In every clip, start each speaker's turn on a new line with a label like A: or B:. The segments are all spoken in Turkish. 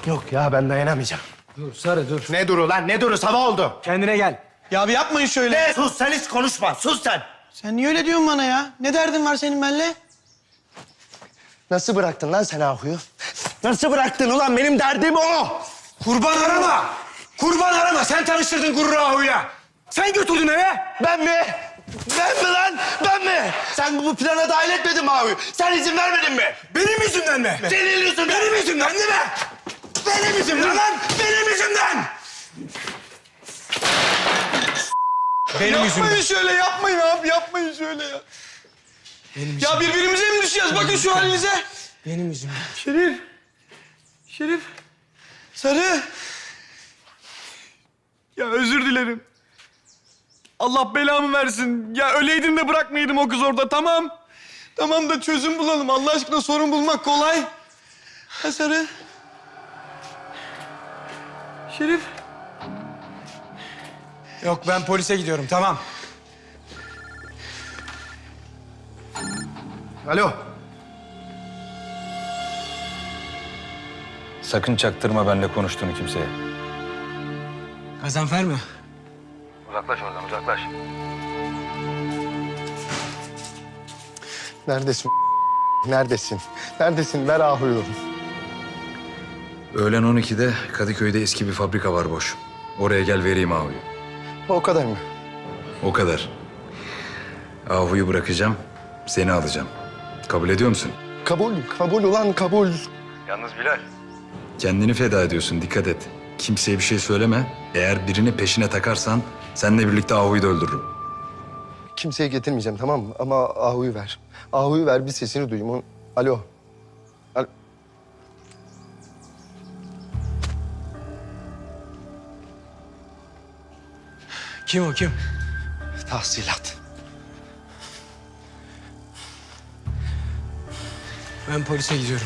A: Yok ya ben dayanamayacağım.
B: Dur Sarı dur.
A: Ne duru lan ne duru sabah oldu.
B: Kendine gel.
C: Ya bir yapmayın şöyle.
A: Ne sus sen hiç konuşma sus sen.
C: Sen niye öyle diyorsun bana ya? Ne derdin var senin benimle?
A: Nasıl bıraktın lan sen Ahu'yu? Nasıl bıraktın ulan benim derdim o.
B: Kurban arama. Kurban arama. Sen tanıştırdın Gurur Ahu'yla. Sen götürdün eve.
A: Ben mi? Ben mi lan? Ben mi? Sen bu plana dahil etmedin mi Ahu'yu? Sen izin vermedin mi?
B: Benim yüzümden mi?
A: Senin yüzünden.
B: Benim yüzümden değil mi? Benim yüzümden lan. Benim yüzümden. Benim yüzümden.
C: Yapmayın şöyle, yapmayın abi, yapmayın şöyle ya. Ya birbirimize mi düşeceğiz? Bakın şu halinize.
B: Benim yüzümden.
C: Şerif. Şerif. Sarı. Ya özür dilerim. Allah belamı versin. Ya öleydim de bırakmayaydım o kız orada, tamam. Tamam da çözüm bulalım. Allah aşkına sorun bulmak kolay. Ha Sarı. Şerif.
B: Yok ben polise gidiyorum tamam.
A: Alo.
D: Sakın çaktırma benimle konuştuğunu kimseye.
B: Gazanfer mi?
D: Uzaklaş oradan, uzaklaş.
A: Neredesin? Neredesin? Neredesin? Ver Ahu'yu.
D: Öğlen 12'de Kadıköy'de eski bir fabrika var boş. Oraya gel vereyim Ahu'yu.
A: O kadar mı?
D: O kadar. Ahu'yu bırakacağım, seni alacağım. Kabul ediyor musun?
A: Kabul, kabul ulan kabul.
D: Yalnız Bilal. Kendini feda ediyorsun, dikkat et. Kimseye bir şey söyleme. Eğer birini peşine takarsan seninle birlikte Ahu'yu da öldürürüm.
A: Kimseye getirmeyeceğim tamam mı? Ama Ahu'yu ver. Ahu'yu ver bir sesini duyayım. Alo. Alo.
B: Kim o kim?
A: Tahsilat.
B: Ben polise gidiyorum.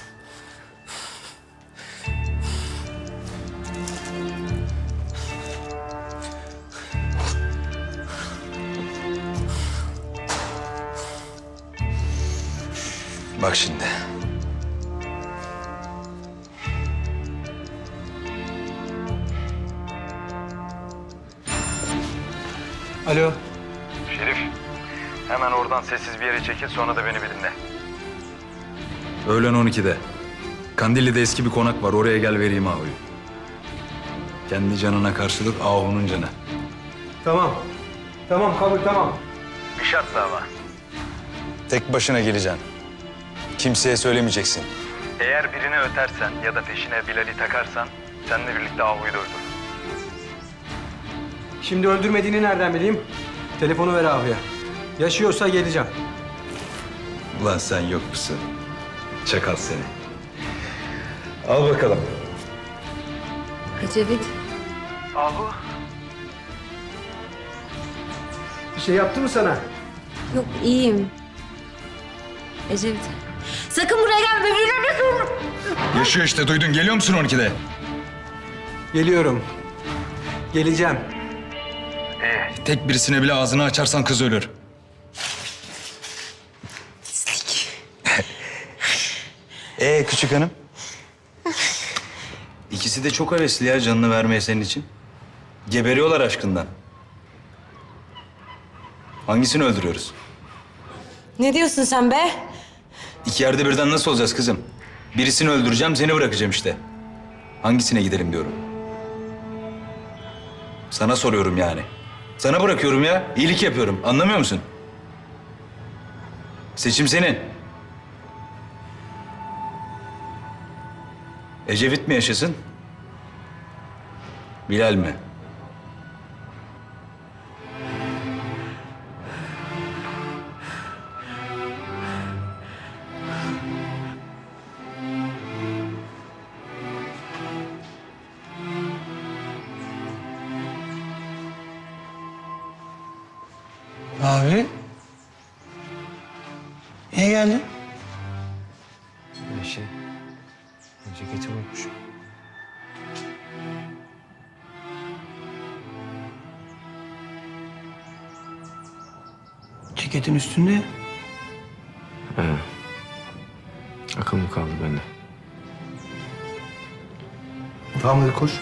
D: Bak şimdi.
B: Alo.
D: Şerif, hemen oradan sessiz bir yere çekil, sonra da beni bir dinle. Öğlen 12'de. Kandilli'de eski bir konak var, oraya gel vereyim Ahu'yu. Kendi canına karşılık Ahu'nun canı.
B: Tamam. Tamam kabul tamam.
D: Bir şartla ama. Tek başına geleceksin. Kimseye söylemeyeceksin. Eğer birini ötersen ya da peşine Bilal'i takarsan seninle birlikte Ahu'yu da öldür.
B: Şimdi öldürmediğini nereden bileyim? Telefonu ver abiye. Yaşıyorsa geleceğim.
D: Ulan sen yok musun? Çakal seni. Al bakalım.
E: Ecevit.
D: Ahu.
B: Bir şey yaptı mı sana?
E: Yok iyiyim. Ecevit. Sakın buraya gelme. Birbirine sorun.
D: Yaşıyor işte, duydun. Geliyor musun 12'de?
B: Geliyorum. Geleceğim.
D: Tek birisine bile ağzını açarsan kız ölür.
E: Pislik.
D: Küçük hanım? İkisi de çok hevesli ya canını vermeye senin için. Geberiyorlar aşkından. Hangisini öldürüyoruz?
E: Ne diyorsun sen be?
D: İki yerde birden nasıl olacağız kızım? Birisini öldüreceğim, seni bırakacağım işte. Hangisine gidelim diyorum. Sana soruyorum yani. Sana bırakıyorum ya. İyilik yapıyorum. Anlamıyor musun? Seçim senin. Ecevit mi yaşasın? Bilal mi?
C: Abi. Niye geldin?
B: Ceketi unutmuşum.
C: Ceketin üstünde.
F: Akıl mı kaldı bende?
A: Tamam hadi koş.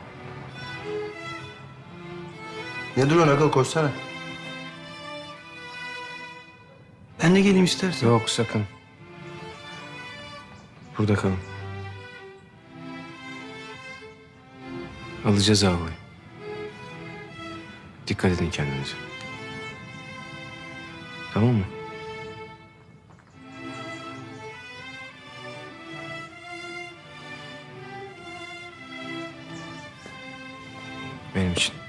A: Ne duruyorsun aga, koşsana.
B: Ben de geleyim istersen.
F: Yok sakın. Burada kalın. Alacağız Ahu'yu. Dikkat edin kendinize. Tamam mı? Benim için.